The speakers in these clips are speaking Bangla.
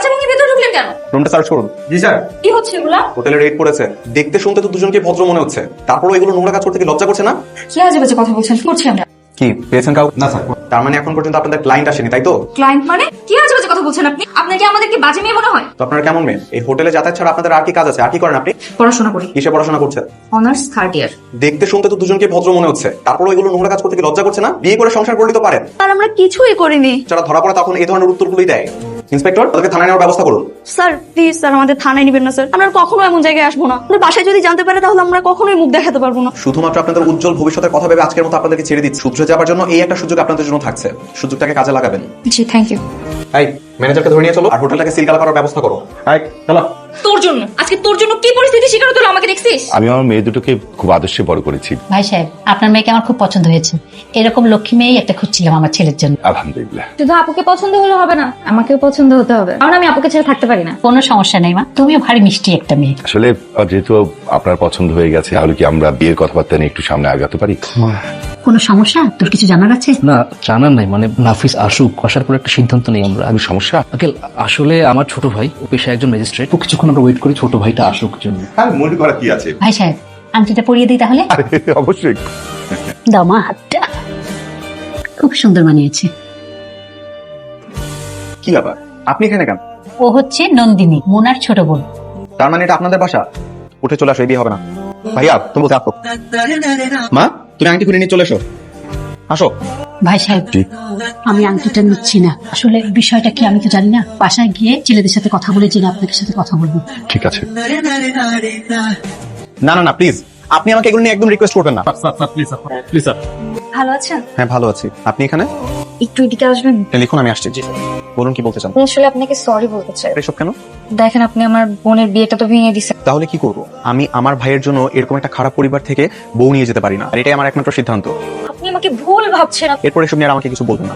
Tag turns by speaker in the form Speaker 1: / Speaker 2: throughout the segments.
Speaker 1: দরজা ভেঙে ভেতরে ঢুকলেন কেন?
Speaker 2: রুমটা সার্চ করুন।
Speaker 3: জি স্যার।
Speaker 1: কি হচ্ছে এগুলা?
Speaker 2: হোটেলে রেড পড়েছে। দেখতে শুনতে তো দুজনকে ভদ্র মনে হচ্ছে, তারপরও এগুলো নোংরা কাজ করতে কি লজ্জা করছে না?
Speaker 1: কি আজে বাজে কথা বলছেন? কি করছি আমরা?
Speaker 2: কি পেয়েছেন কাউ?
Speaker 3: না স্যার।
Speaker 2: তার মানে এখন পর্যন্ত আপনাদের ক্লায়েন্ট আসেনি, তাই তো?
Speaker 1: ক্লায়েন্ট মানে কি আজে বাজে কথা বলছেন আপনি? আপনার কি আমাদেরকে বাজে মেয়ে মনে হয়?
Speaker 2: তো আপনারা কেমন মেয়ে? এই হোটেলে যাতায়াত ছাড়া আপনাদের আর কি কাজ আছে? আর কি করেন আপনি?
Speaker 1: পড়াশোনা করি,
Speaker 2: কিসে পড়াশোনা করছেন?
Speaker 1: Honours 3rd year.
Speaker 2: দেখতে শুনতে তো দুজনকে ভদ্র মনে হচ্ছে, তারপরও এগুলো নোংরা কাজ করতে কি লজ্জা করছে না? বিয়ে করে সংসার করলে তো পারেন।
Speaker 1: আর আমরা কিছুই করিনি।
Speaker 2: যারা ধরা পড়ে তখন এই ধরনের উত্তরগুলোই দেয়। ইন্সপেক্টর, তাদেরকে থানায় নেওয়ার ব্যবস্থা করুন।
Speaker 1: স্যার প্লিজ স্যার, আমাদের থানায় নিবেন না স্যার। আমরা আর কখনো এমন জায়গায় আসবো না। আমাদের বাসায় যদি জানতে পারে তাহলে আমরা কখনোই মুখ দেখাতে পারবো না।
Speaker 2: শুধুমাত্র আপনাদের উজ্জ্বল ভবিষ্যতের কথা ভেবে আজকের মতো আপনাদেরকে ছেড়ে দিচ্ছি। শুধরে যাওয়ার জন্য এই একটা সুযোগ আপনাদের জন্য থাকছে, সুযোগটাকে কাজে লাগাবেন।
Speaker 1: জি থ্যাংক ইউ।
Speaker 2: এই ম্যানেজারকে ধরে নিয়ে চলো আর হোটেলটাকে সিলগালা করার ব্যবস্থা করো। এই চলো।
Speaker 1: তোর জন্য আজকে তোর জন্য কি পরিস্থিতি শিকার হতে হলো আমাকে দেখছিস?
Speaker 4: আমি আমার মেয়ে দুটোকে খুব আদর্শে বড় করেছি।
Speaker 5: ভাই সাহেব, আপনার মেয়েকে আমার খুব পছন্দ হয়েছে। এরকম লক্ষ্মী মেয়েই একটা খুঁজছিলাম আমার ছেলের জন্য।
Speaker 4: আলহামদুলিল্লাহ।
Speaker 1: শুধু আপুকে পছন্দ হলে হবে না, আমাকেও পছন্দ হতে হবে, কারণ আমি আপুকে ছেড়ে থাকতে পারি না।
Speaker 5: কোনো সমস্যা নেই মা, তুমিও ভারী মিষ্টি একটা মেয়ে।
Speaker 4: আসলে যেহেতু আপনার পছন্দ হয়ে গেছে, তাহলে কি আমরা বিয়ের কথাবার্তা নিয়ে একটু সামনে আগাতে পারি?
Speaker 5: কোনো সমস্যা? তোর কিছু জানার আছে?
Speaker 6: না, জানার নাই, মানে নাফিস আসুক, আসার পর একটা সিদ্ধান্ত নেই আমরা।
Speaker 4: কোনো সমস্যা?
Speaker 6: আঙ্কেল, আসলে আমার ছোট ভাই ও পেশায় একজন ম্যাজিস্ট্রেট, তো কিছুক্ষণ আমরা ওয়েট করি ছোট ভাইটা আসুক জন্য।
Speaker 4: আর মনে করা কি আছে?
Speaker 5: ভাই সাহেব, আংটিটা পরিয়ে দিই তাহলে।
Speaker 4: আরে অবশ্যই।
Speaker 5: দাও মা হাতটা, খুব সুন্দর মানিয়েছে।
Speaker 2: কি ব্যাপার, আপনি এখানে কেন?
Speaker 5: ও হচ্ছে নন্দিনী, মোনার ছোট বোন।
Speaker 2: তার মানে এটা আপনাদের বাসা? উঠে চলে আসো, এই বিয়ে হবে না। ভাইয়া তুমি বলতে আসো। মা তুমি আংটি খুলে নিয়ে চলে এসো। আসো।
Speaker 5: ভাই সাহেব, আমি আংটিটা নিচ্ছি না। আসলে বিষয়টা কি আমি তো জানি না। বাসায় গিয়ে ছেলেদের সাথে কথা বলে জেনে আপনাদের সাথে কথা বলবো।
Speaker 4: ঠিক আছে।
Speaker 2: না না না প্লিজ, আপনি আমাকে এগুলো নিয়ে একদম রিকোয়েস্ট করবেন না।
Speaker 3: Please sir.
Speaker 1: ভালো আছেন?
Speaker 2: হ্যাঁ ভালো আছি, আপনি এখানে?
Speaker 1: একটু এদিকে আসবেন।
Speaker 2: লিখুন, আমি আসছি। জি বলুন, কি বলতে চান?
Speaker 1: আমি আসলে আপনাকে সরি বলতে চাই।
Speaker 2: এসব কেন?
Speaker 1: দেখেন, আপনি আমার বোনের বিয়েটা তো ভেঙে দিচ্ছেন।
Speaker 2: তাহলে কি করব? আমি আমার ভাইয়ের জন্য এরকম একটা খারাপ পরিবার থেকে বউ নিয়ে যেতে পারি না, আর এটাই আমার একমাত্র সিদ্ধান্ত।
Speaker 1: আপনি আমাকে ভুল ভাবছেন।
Speaker 2: এরপর এসব নিয়ে আর আমাকে কিছু বলবেন না।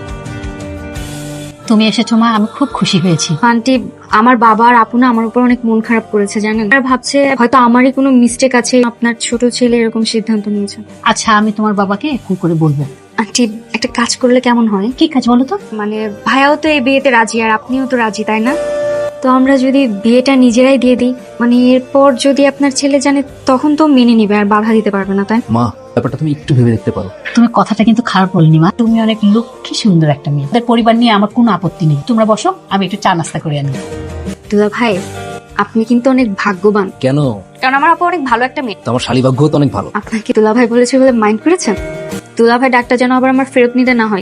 Speaker 5: তুমি এসেছো মা, আমি খুব খুশি হয়েছি।
Speaker 1: আন্টি, আমার বাবা আর আপু না আমার উপর অনেক মন খারাপ করেছে জানেন। আর ভাবছে হয়তো আমারই কোনো মিস্টেক আছে, আপনার ছোট ছেলে এরকম সিদ্ধান্ত নিয়েছে।
Speaker 5: আচ্ছা, আমি তোমার বাবাকে ফোন করে বলবো।
Speaker 1: আন্টি, একটা কাজ করলে কেমন হয়?
Speaker 5: কি কাজ বলো তো?
Speaker 1: মানে ভাইয়াও তো এই বিয়েতে রাজি আর আপনিও তো রাজি, তাই না? তো আমরা যদি বিয়েটা নিজেরাই দিয়ে দিই, মানে এরপর যদি আপনার ছেলে জানে তখন তো মেনে নিবে আর বাধা দিতে পারবে না, তাই?
Speaker 6: মা, ব্যাপারটা তুমি একটু ভেবে দেখতে পারো।
Speaker 5: তুমি কথাটা কিন্তু খারাপ বলনি মা, তুমি অনেক লক্ষ্মী সুন্দর একটা মেয়ে। তাদের পরিবার নিয়ে আমার কোনো আপত্তি নেই। তোমরা বসো, আমি একটু চা নাস্তা করে আনি।
Speaker 1: দুলা ভাই, আপনি কিন্তু অনেক ভাগ্যবান,
Speaker 6: কেন?
Speaker 1: কারণ আমার আপু অনেক ভালো একটা মেয়ে।
Speaker 6: তো আমার শালীভাগ্য তো অনেক ভালো।
Speaker 1: আপনাকে দুলা ভাই বলেছে বলে মাইন্ড করেছেন? দুলা ভাই ডাক্তার যেন আবার আমার ফেরত নিতে না হয়।